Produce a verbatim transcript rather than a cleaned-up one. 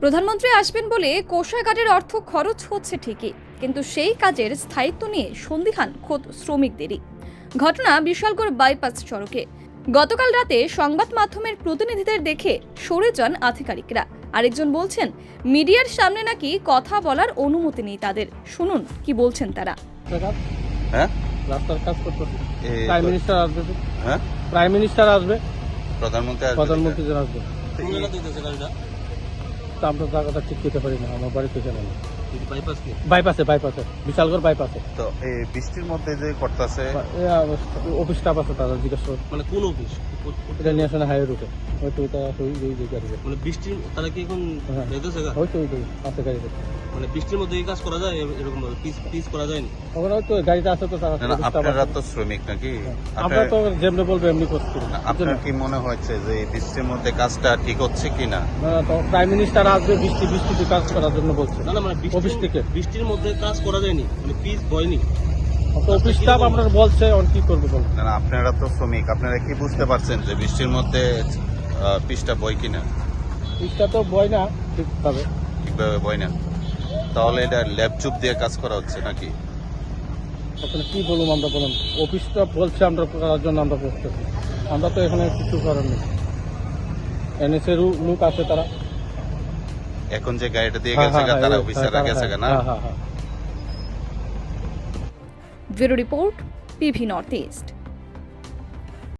প্রধানমন্ত্রী আসবেন বলে কোষাগারের অর্থ খরচ হচ্ছে ঠিকই, কিন্তু সেই কাজের স্থায়িত্ব নিয়ে সন্দিহান খোদ শ্রমিকদেরই। ঘটনা বিশালগড় বাইপাস সড়কে। গতকাল রাতে সংবাদ মাধ্যমের প্রতিনিধিদের দেখে সরে যান আধিকারিকরা। আরেকজন বলছেন, মিডিয়ার সামনে নাকি কথা বলার অনুমতি নেই তাদের। শুনুন কি বলছেন তারা। হ্যাঁ, রাস্তার কাজ করতেছে। এই প্রাইম মিনিস্টার আসবে তো? হ্যাঁ, প্রাইম মিনিস্টার আসবে, প্রধানমন্ত্রী আসবে। প্রধানমন্ত্রী জন আসবে। তো এই- তো আমরা জায়গাটা ঠিক করতে পারি না, আমার বাড়িতে জানা না। বাইপাস কি? বাইপাসে বাইপাসে বিশালগড় বাইপাসে তো এই বৃষ্টির মধ্যে যে করতেছে, অফিস স্টাফ আছে, তারা জিজ্ঞেস করো। মানে কোন অফিস? এটা নিয়ে আসে না হাইওয়ে রুটে, হয়তো ওইটা ওই ওই যে গাড়িতে, মানে বৃষ্টির তারা কি এখন হ্যাঁ। যাইতেছে গা? হয়তো ওই ওই আছে গাড়িতে। মানে বৃষ্টির মধ্যে এই কাজ করা যায় এরকম ভাবে পিস পিস করা যায় না? ওখানে হয়তো গাড়িতে আছে তো তারা না, না, office staff আপনারা আছে। তো শ্রমিক নাকি? আমরা আপনার তো যেমনি বলবো এমনি করছি না। আপনার কি মনে হচ্ছে যে এই বৃষ্টির মধ্যে কাজটা ঠিক হচ্ছে কিনা? না, না, তো প্রাইম মিনিস্টার আসবে বৃষ্টি বৃষ্টিতে কাজ করার জন্য বলছে। না না মানে অফিস বৃষ্টির থেকে বৃষ্টির মধ্যে কাজ করা যায়নি, মানে পিস বয়নি। তো অফিস স্টাফ আমরা বলছে অন কি করবে বল। না, না, আপনারা তো শ্রমিক, আপনারা কি বুঝতে পারছেন যে বৃষ্টির মধ্যে আহ, পিসটা বয় কিনা? পিসটা তো বয় না ঠিকভাবে। ঠিকভাবে বয় না, তাহলে এটা ল্যাব চুপ দিয়ে কাজ করা হচ্ছে নাকি? আসলে কি বলুম আমরা, বলুন অফিসটা বলছে আমরা করার জন্য আমরা করতেছি, আমরা তো এখানে কিছু করার নেই। এনএসএর লোক আছে তারা, এখন যে গাড়িটা দিয়ে হ্যাঁ, গেছে গা, হ্যাঁ, তারা হ্যাঁ, অফিসাররা হ্যাঁ, গেছে গা না? হ্যাঁ হ্যাঁ হ্যাঁ। Bureau report, PV north east.